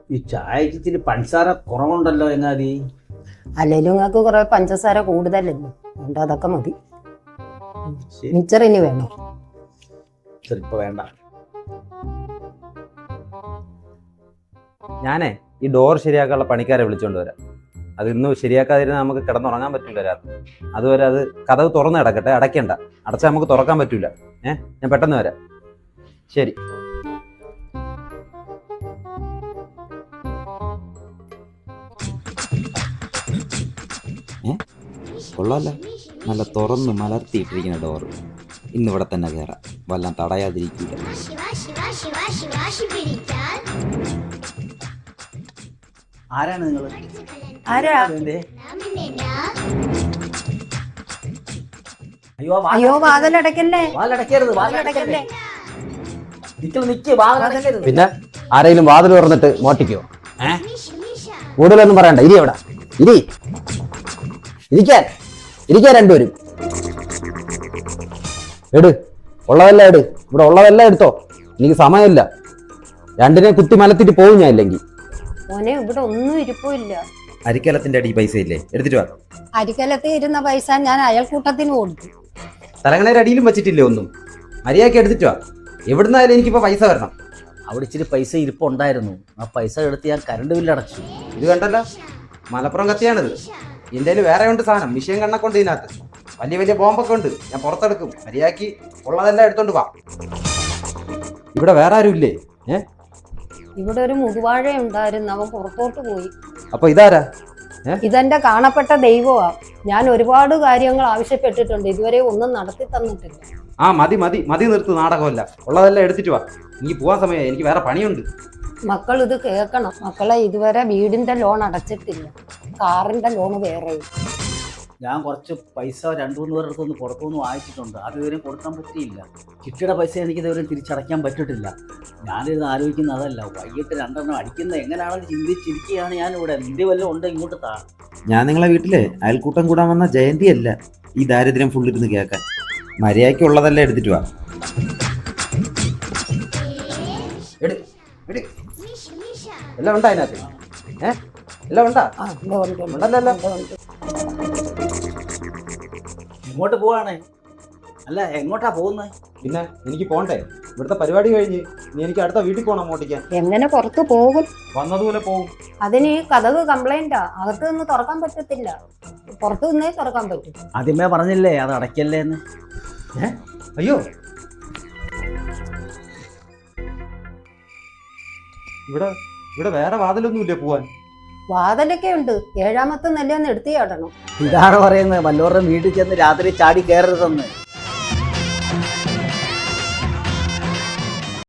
ഈ ചായക്ക് ഇച്ചിരി പഞ്ചസാര കുറവുണ്ടല്ലോ എന്നാതി. അല്ലെങ്കിലും നിങ്ങൾക്ക് കുറെ പഞ്ചസാര കൂടുതലല്ലോ, അതുകൊണ്ട് അതൊക്കെ മതി. മിച്ചർ ഇനി വേണോ? ഇപ്പൊ വേണ്ട. ഞാനേ ഈ ഡോർ ശരിയാക്കാനുള്ള പണിക്കാരെ വിളിച്ചോണ്ട് വരാം. അത് ഇന്ന് ശരിയാക്കാതിരുന്നാൽ നമുക്ക് കിടന്നുറങ്ങാൻ പറ്റില്ല രാത്രി. അതുവരെ അത് കതവ് തുറന്ന് കിടക്കട്ടെ, അടയ്ക്കണ്ട. അടച്ചാൽ നമുക്ക് തുറക്കാൻ പറ്റൂല. ഞാൻ പെട്ടെന്ന് വരാം. ശരി. കൊള്ളാല്ല, നല്ല തുറന്ന് മലർത്തിയിട്ടിരിക്കുന്ന ഡോറ്. ഇന്നിവിടെ തന്നെ കയറാം, വല്ലം തടയാതിരിക്കില്ല. ആരാണ് നിങ്ങൾ? ആരാ? അയ്യോ വാതിലടക്കല്ലേ, വാതിലടക്കരുത്, വാതിലടക്കല്ലേ. പിന്നെ ആരെങ്കിലും വാതിൽ തുറന്നിട്ട് മോട്ടിക്കോ? കൂടുതലൊന്നും പറയണ്ട. ഇരി എവിടെ ഇരിക്കാൻ രണ്ടുപേരും. ഉള്ളതെല്ലാം ഇവിടെ ഉള്ളതെല്ലാം എടുത്തോ. എനിക്ക് സമയമില്ല. രണ്ടിനെ കുത്തി മലത്തിട്ട് പോകും ഞാൻ. ഇല്ലെങ്കിൽ മോനെ ഇവിടെ ഒന്നും ഇരിപ്പില്ല. അരിക്കലത്തിന്റെ അടി പൈസ ഇല്ലേ? എടുത്തിട്ട് വാ. അരിക്കലത്തിൽ ഇരുന്ന പൈസ ഞാൻ അയൽക്കൂട്ടത്തിന് കൊടുത്തു. തലങ്ങണയുടെ അടിയിലും വെച്ചിട്ടില്ലേ ഒന്നും? മര്യാദയ്ക്ക് എടുത്തിട്ട് വാ. എവിടുന്നായാലും എനിക്കിപ്പോ പൈസ വരണം. അവിടെ ഇച്ചിരി പൈസ ഇരിപ്പുണ്ടായിരുന്നു. ആ പൈസ എടുത്ത് ഞാൻ കറണ്ട് ബില്ല് അടച്ചു. ഇത് കണ്ടല്ലോ, മലപ്പുറം കത്തിയാണിത്. ഇന്ത്യയിൽ വേറെ ഉണ്ട് സാധനം, മിഷ്യൻ കണ്ണൊക്കെ ഇതിനകത്ത്. വലിയ വലിയ ബോംബൊക്കെ ഉണ്ട്. ഞാൻ പുറത്തെടുക്കും. മര്യാദയ്ക്ക് ഉള്ളതെല്ലാം എടുത്തോണ്ട് വാ. ഇവിടെ വേറെ ആരും ഇല്ലേ? ഇവിടെ ഒരു മുതുവാഴ ഉണ്ടായിരുന്നു, അവൻ പുറത്തോട്ട് പോയി. അപ്പൊ ഇതാരാ? ഇതെന്റെ കാണപ്പെട്ട ദൈവമാ. ഞാൻ ഒരുപാട് കാര്യങ്ങൾ ആവശ്യപ്പെട്ടിട്ടുണ്ട്, ഇതുവരെ ഒന്നും നടത്തി തന്നിട്ടില്ല. മതി നിർത്ത് നാടകമല്ല. ഉള്ളതെല്ലാം എടുത്തിട്ട് വാ. എനിക്ക് പോവാൻ സമയമായി. എനിക്ക് വേറെ പണിയുണ്ട്. മക്കൾ ഇത് കേൾക്കണം. മക്കളെ, ഇതുവരെ വീടിന്റെ ലോൺ അടച്ചിട്ടില്ല, കാറിന്റെ ലോണ് വേറെയും. ഞാൻ കുറച്ച് പൈസ 2-3 പേരുടെ അടുത്തൊന്ന് പുറത്തുനിന്ന് വാങ്ങിച്ചിട്ടുണ്ട്. അത് ഇതുവരെ കൊടുക്കാൻ പറ്റിയില്ല. ചിട്ടിയുടെ പൈസ എനിക്ക് ഇതുവരെ തിരിച്ചടയ്ക്കാൻ പറ്റിയിട്ടില്ല. ഞാനിരുന്ന് ആലോചിക്കുന്ന അതല്ല, വൈകിട്ട് 2 അടിക്കുന്നത് എങ്ങനെയാണെന്ന് ചിന്തിച്ചിരിക്കുകയാണ് ഞാനിവിടെ. നിന്റെ വല്ലതും ഉണ്ട് ഇങ്ങോട്ട് താ. ഞാൻ നിങ്ങളെ വീട്ടിലെ അയൽക്കൂട്ടം കൂടാൻ വന്ന ജയന്തി അല്ല ഈ ദാരിദ്ര്യം ഫുള്ളിരുന്ന് കേൾക്കാൻ. മര്യാദയ്ക്ക് ഉള്ളതെല്ലാം എടുത്തിട്ട് വാ. എല്ലാം ഉണ്ടാ അതിനകത്ത്? എല്ലാം ഉണ്ടാ? ഉണ്ടല്ലോ. എങ്ങോട്ട് പോവാണ്? അല്ല, എങ്ങോട്ടാ പോകുന്നത്? പിന്നെ എനിക്ക് പോണ്ടേ? ഇവിടുത്തെ പരിപാടി കഴിഞ്ഞ് നീ എനിക്ക് അടുത്ത വീട്ടിൽ പോകണം മോട്ടിക്കാൻ. എങ്ങനെ പുറത്തു പോകും? വന്നതുപോലെ പോകും. അതിന് ഈ കതക് കംപ്ലൈന്റാ, അകത്ത് നിന്ന് തുറക്കാൻ പറ്റത്തില്ല, പുറത്തു നിന്നേ തുറക്കാൻ പറ്റും. ആദ്യമേ പറഞ്ഞില്ലേ അത് അടയ്ക്കല്ലേ എന്ന്. അയ്യോ, ഇവിടെ വേറെ വാതിലൊന്നും ഇല്ലേ പോവാൻ? വാതിലൊക്കെ ഉണ്ട്, 7ാമത്തെ നിലയൊന്ന് എടുത്തു ചാടണം. ഇതാണ് പറയുന്നത് വല്ലവരുടെ വീട്ടിൽ ചെന്ന് രാത്രി ചാടി കയറരുതെന്ന്.